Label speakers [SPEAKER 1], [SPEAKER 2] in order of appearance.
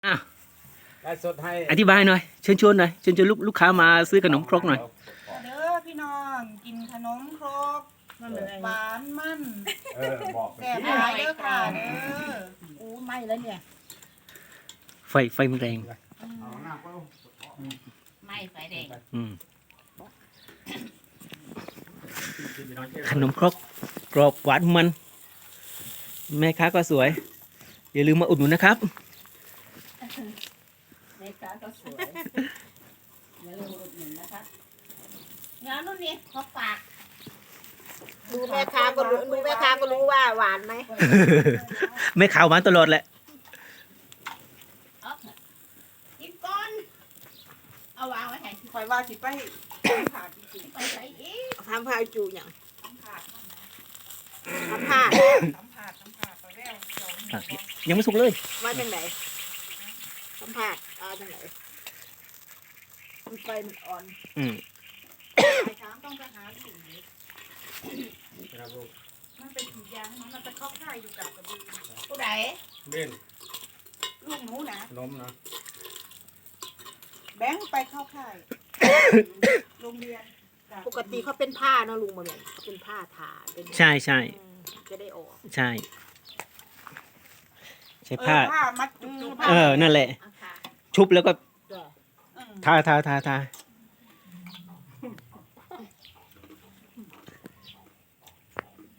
[SPEAKER 1] อ่ะ
[SPEAKER 2] ได้สดให้
[SPEAKER 1] อธิบายหน่อยเชิญชวนหน่อยเชิญชวนลูกค้ามาซื้อขนมครกหน่อย
[SPEAKER 3] เด้อพี่น้องกินขนมครกหวานมัน
[SPEAKER 2] บอก
[SPEAKER 3] แซ่บหลายเด้อค่ะเด้อ
[SPEAKER 4] อู้ไม่แล้วเนี่ย
[SPEAKER 1] ไฟมันแรง
[SPEAKER 2] เอาหน้าก็
[SPEAKER 4] ไม่ไฟแดง
[SPEAKER 1] อืมขนมครกกรอบหวานมัน แม่ค้าก็สวย อย่าลืมมาอุดหนุนนะครับ
[SPEAKER 4] แม่ค้าก็สวยอย่าลืมอุดหนุนนะคะงานนู่นนี่เขาฝาก
[SPEAKER 5] ดูแม่ค้าก็รู้ว่าหวานไหม
[SPEAKER 1] แม่ขาวหวานตลอดแหละ
[SPEAKER 4] เอาเถอะกินก่อนเอาวางไว้ให้
[SPEAKER 3] คอยว่าสิไปขาดจริง
[SPEAKER 4] ไปใส่อีก
[SPEAKER 5] ทำพายจูอย่าง
[SPEAKER 3] ๆต้องขาด
[SPEAKER 5] ทำผ้า
[SPEAKER 3] ต้องขาดไปแล้วสองหัว
[SPEAKER 1] ยังไม่สุกเลย
[SPEAKER 5] มาจากไหนทำผ้าจากไหนมันไฟมันอ่อน
[SPEAKER 1] อืม
[SPEAKER 3] ไอ้ช้างต้องไปหาลูกมันเป็นสียางมันจะเข้าค่ายอยู่กับกระบือ
[SPEAKER 4] ผู้ใด
[SPEAKER 2] เล่น
[SPEAKER 3] ลูกหนูนะ
[SPEAKER 2] ขนมนะ
[SPEAKER 3] แบงค์ไปเข้าค่ายโรงเรียน
[SPEAKER 5] ปกติเขาเป็นผ้าเนอะลุงมาเลยเขาเป็นผ้าทาเป็น
[SPEAKER 1] ใช่ใช่
[SPEAKER 5] จะได้ออก
[SPEAKER 1] ใช่ใช้ผ้า
[SPEAKER 3] ผ้ามัดจุกๆ
[SPEAKER 1] นั่นแหละ
[SPEAKER 4] เอาค่ะ
[SPEAKER 1] ชุบแล้วก็
[SPEAKER 5] จ้ะ
[SPEAKER 1] ทา